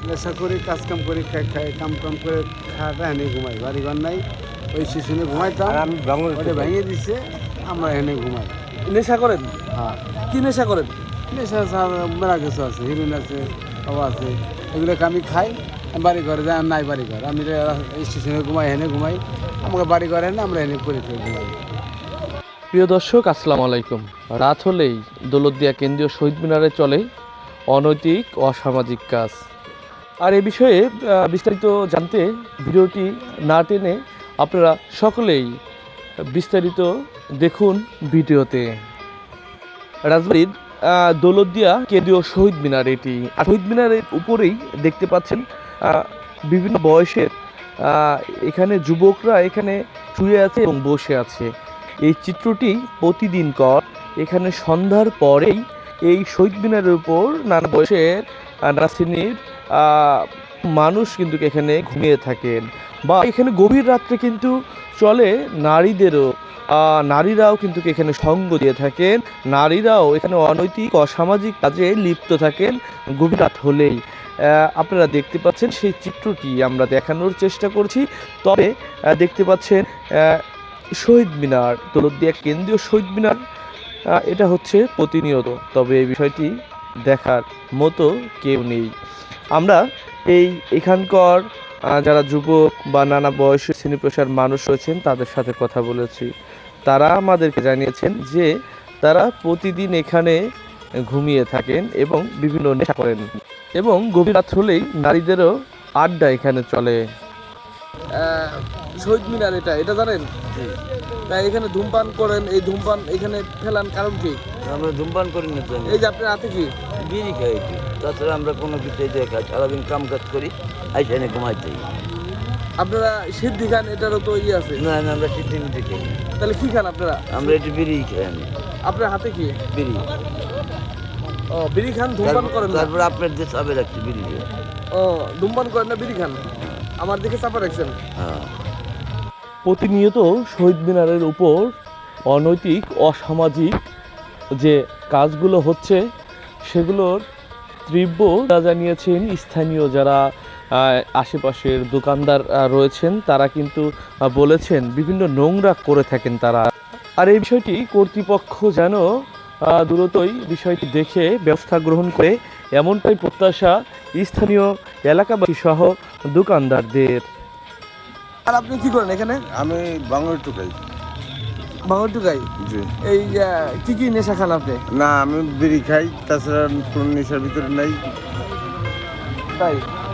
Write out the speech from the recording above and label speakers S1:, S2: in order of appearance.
S1: নেশা করি, কাজকাম করি, খাই কাম করে খাওয়াটা এনে ঘুমাই, বাড়িঘর নাই, ওই স্টেশনে ঘুমাইতাম, ওটা ভেঙে দিচ্ছে, আমরা এনে ঘুমাই।
S2: নেশা করেন?
S1: হ্যাঁ,
S2: কি নেশা করেন?
S1: নেশা মেলা কিছু আছে, হিরোইন আছে, সব আছে, এগুলোকে আমি খাই। বাড়ি ঘরে যাই, নাই বাড়ি ঘর, আমি স্টেশনে ঘুমাই, এনে ঘুমাই, আমাকে বাড়ি ঘরে এনে আমরা এনে করে ঘুমাই।
S2: প্রিয় দর্শক, আসসালামু আলাইকুম। রাত হলেই দৌলতদিয়া কেন্দ্রীয় শহীদ মিনারে চলে অনৈতিক অসামাজিক কাজ। আর এ বিষয়ে বিস্তারিত জানতে ভিডিওটি না টেনে আপনারা সকলেই বিস্তারিত দেখুন ভিডিওতে। রাজবাড়ির দৌলতদিয়া কেন্দ্রীয় শহীদ মিনার এটি। আর শহীদ মিনারের উপরেই দেখতে পাচ্ছেন বিভিন্ন বয়সের এখানে যুবকরা এখানে শুয়ে আছে এবং বসে আছে। এই চিত্রটি প্রতিদিনকার। এখানে সন্ধ্যার পরেই এই শহীদ মিনারের উপর নানা বয়সের নানা শ্রেণীর মানুষ কিন্তু এখানে ঘুমিয়ে থাকেন, বা এখানে গভীর রাত্রে কিন্তু চলে নারীদেরও। নারীরাও কিন্তু এখানে সঙ্গ দিয়ে থাকেন, নারীরাও এখানে অনৈতিক অসামাজিক কাজে লিপ্ত থাকেন গভীর রাত হলেই। আপনারা দেখতে পাচ্ছেন সেই চিত্রটি আমরা দেখানোর চেষ্টা করছি। তবে দেখতে পাচ্ছেন শহীদ মিনার, দৌলতদিয়া কেন্দ্রীয় শহীদ মিনার, এটা হচ্ছে প্রতিনিয়ত। তবে এই বিষয়টি দেখার মতো কেউ নেই। আমরা এখানকার যারা যুবক বা নানা বয়সের শ্রেণী পেশার মানুষ রয়েছেন তাদের সাথে কথা বলেছি। তারা আমাদেরকে জানিয়েছেন যে তারা প্রতিদিন এখানে ঘুমিয়ে থাকেন এবং বিভিন্ন নেশা করেন, এবং গভীর রাত হলেই নারীদেরও আড্ডা এখানে চলে। শহীদ মিনার এটা জানেন? তাই এখানে ধূমপান করেন, এই ধূমপান এখানে ফেলান কারণ কি?
S3: আমরা ধূমপান করি না,
S2: এই যে আপনার হাতে কি?
S3: বিড়ি খাই একটু, তাছাড়া আমরা কোনো কিছু খাই, সারাদিন কাম কাজ করি, আইসানে ঘুমাইতে।
S2: আপনারা সিদ্ধি খান, এটারও তো ইয়ে আছে।
S3: না না, আমরা সিদ্ধি মিদ্ধি খাই।
S2: তাহলে কি খান আপনারা?
S3: আমরা একটু বিড়ি খাই। আমি
S2: আপনার হাতে কি?
S3: বিড়ি।
S2: ও, বিড়ি খান, ধূমপান করেন না?
S3: তারপরে আপনার যে চাপে রাখছি বিড়ি।
S2: ও, ধূমপান করেন না, বিড়ি খান, আমার দিকে চাপা রাখছেন।
S3: হ্যাঁ।
S2: প্রতিনিয়ত শহীদ মিনারের উপর অনৈতিক অসামাজিক যে কাজগুলো হচ্ছে সেগুলোর তীব্র জানিয়েছেন স্থানীয় যারা আশেপাশের দোকানদার রয়েছেন। তারা কিন্তু বলেছেন বিভিন্ন নোংরা করে থাকেন তারা। আর এই বিষয়টি কর্তৃপক্ষ যেন দ্রুতই বিষয়টি দেখে ব্যবস্থা গ্রহণ করে, এমনটাই প্রত্যাশা স্থানীয় এলাকাবাসী সহ দোকানদারদের। আর আপনি কি করেন এখানে?
S1: আমি বাঙালি টুকাই।
S2: বাঙর টুকাই?
S1: জি।
S2: এই কি কি নেশা খান আপনি?
S1: না, আমি বিড়ি খাই, তাছাড়া কোনো নেশার ভিতরে নাই।
S2: তাই?